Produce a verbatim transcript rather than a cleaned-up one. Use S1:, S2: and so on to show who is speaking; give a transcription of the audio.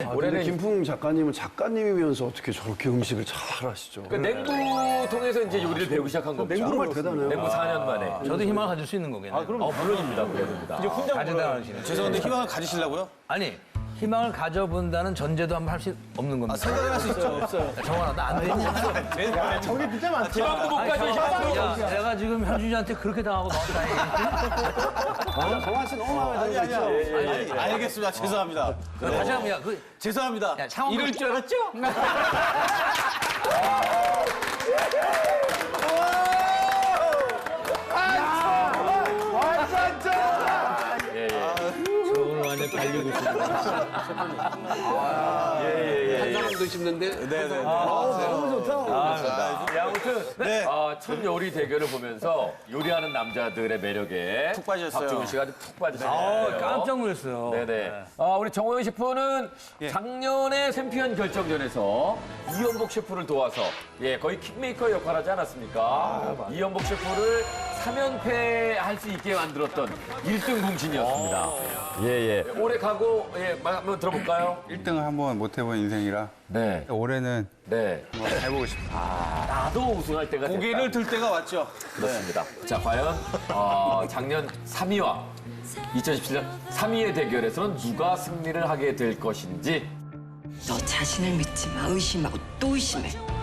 S1: 아,
S2: 올해는
S1: 근데 김풍 작가님은 작가님이면서 어떻게 저렇게 음식을 잘 하시죠?
S2: 그 냉부 통해서 이제 요리를 배우기 시작한 겁니다.
S1: 정말 대단해요.
S2: 냉부 사 년 만에.
S3: 저도 희망을 가질 수 있는 거겠네요.
S2: 아, 그럼 어, 물론입니다. 물론입니다.
S3: 이제 혼자 가져다니시는.
S4: 죄송한데 희망을 가지시려고요?
S3: 아니 희망을 가져본다는 전제도 한번 할 수 없는 겁니다.
S4: 생각을 할 수 있죠. 없어요.
S3: 정원아 나 안 되냐?
S1: 저게 진짜 많죠.
S2: 희망도 못 가져, 희망도.
S3: 야, 내가 지금 현준이한테 그렇게 당하고 나왔다니.
S1: 정환 씨 너무 마음에
S4: 아니,
S1: 들죠.
S4: 아니야. 아니, 알겠습니다. 죄송합니다.
S3: 다시 한번 야, 그
S4: 죄송합니다.
S3: 야, 창원
S2: 이럴 줄 알았죠?
S3: 저 오늘 완전 달리고 있습니다.
S2: 한 사람도 씹는데.
S4: 네네.
S1: 너무 좋다.
S2: 네, 아무튼
S4: 네.
S2: 아, 첫 요리 대결을 보면서 요리하는 남자들의 매력에
S4: 푹 빠졌어요.
S2: 박종훈 씨가 아주 푹 빠졌어요.
S3: 아, 깜짝 놀랐어요.
S2: 네네. 아, 우리 정호영 셰프는 작년에 챔피언 결정전에서 이연복 셰프를 도와서 예, 거의 킥메이커 역할을 하지 않았습니까? 이연복 셰프를 삼 연패 할 수 있게 만들었던 일 등 공신이었습니다. 예, 예. 올해 가고, 예, 말 한번 들어볼까요?
S5: 일 등을 한번 못 해본 인생이라
S2: 네.
S5: 올해는
S2: 네.
S5: 한번 해보고 싶습니다.
S2: 나도 우승할 때가 됐다.
S4: 고개를 들 때가 왔죠.
S2: 그렇습니다. 자, 과연 어, 작년 삼 위와 이천십칠 년 삼 위의 대결에서는 누가 승리를 하게 될 것인지
S6: 너 자신을 믿지 마. 의심하고 또 의심해.